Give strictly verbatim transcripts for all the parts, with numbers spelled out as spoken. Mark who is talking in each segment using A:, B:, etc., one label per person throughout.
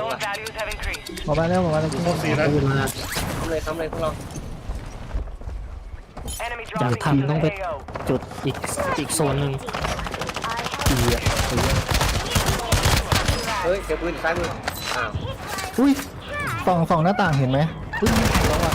A: ว่ะ
B: values have increased.
C: ผมมาแล้วผมมาแล้ว
D: ครบสี่แล้ว
C: ปืนมา
A: ทำเลยทำเลยพวกเรา
B: Enemy
E: อยาก
B: dropping
E: ทำ
B: into
E: ต้อง
B: the
E: ไป
B: A O.
E: จุดอีกอีกโซนหนึ่ง
C: ตีอ่ะตีอะ
A: เฮ้ยเดี๋ยวปืนซ้ายมืออ้าว
C: อุ้ยส่องส่องหน้าต่างเห็นไหมอุ้ยร้องอ่ะ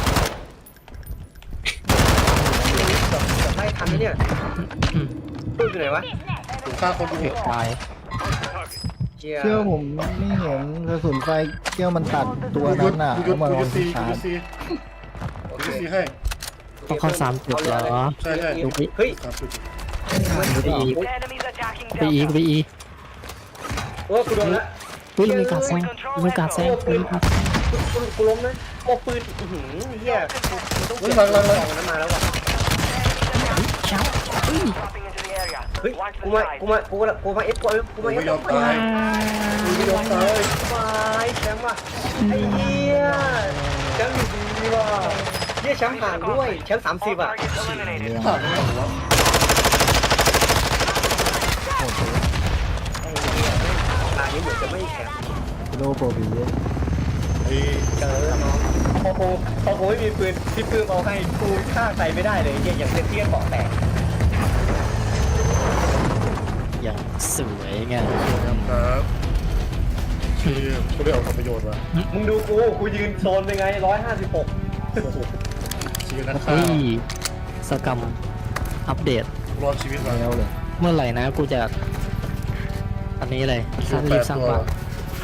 A: เกือบเกือบไล่ทันนะเนี่ยปืนอยู่ไหนวะ
D: ถูกฆ่าคนอยู่
E: ตาย
A: เชี่ย
C: เชื่อผมไม่เห็นกระสุนไฟเกี้ยวมันตัดตัว
D: กู
C: นั้นน่ะ
D: กู
C: แล้วมาล
D: กู
C: อง
D: ซี
C: ที่
D: กู
C: ชาร์จ
D: ซี
A: โอ
D: กู
A: เค
D: ซีให้
E: ต้องเข้าสามจุดเหรอ
D: ใช่ใช่
A: เฮ้ย
D: สามจุด
E: ไปอีก
B: Enemies attacking
E: ไปอีก
B: Delta.
E: ไปอีก
A: โอ้กูโดนละ
E: เฮ้ยเรามีการแซงเรามีการแซงเรามีการ
A: กูกูล้มนะโอ้ปืนอื้อหือเฮียกูต้องเก็บของนั้นมาแล้วว่ะ
E: ชับเฮ้ย
B: Dropping into the area.
A: เฮ้ย
B: Watch
A: กู
B: the
A: มา
B: skies.
A: กูมากูมากูมาเอฟกูกู
D: กู
A: มาเอ
D: ไม่
A: ฟ
D: ยอมตายกูไม่ยอมตาย
A: ไปแชมป์ว่ะไอ้เหี้ยแชมป์อยู่ดีว่ะเหี้ยแชมป์ห่างด้วยแชมป์สามสิบ
B: All
A: อ่ะ
B: targets eliminated.
D: ผ่านไม่หรอวะ
A: ไอ้เหี้ยตานี้เหมือนจะไม่แชมป์
C: โลโปรบี
D: ไอ้
A: เจอน้องพอกูพอกูไม่มีปืนพี่ปืนเอาให้กูฆ่าใครไม่ได้เลยเหี้ยอย่างเล่นเที่ยงเกาะแตก
E: อย่างสวยไง
D: ครับที่กูได้ออกทำประโยชน์ว่ะ
A: มึงดูกูกูยืนโซนเป็นไงร้อยห้าสิบหก
D: ชีวิตนักฆ่า
E: เฮ้ยสกรรมอัปเดต
D: รอดชีวิตมา
C: แล้วเลย
E: เมื่อไหร่นะกูจะ อันนี้เลยสร้างรีบสร้างบ้าน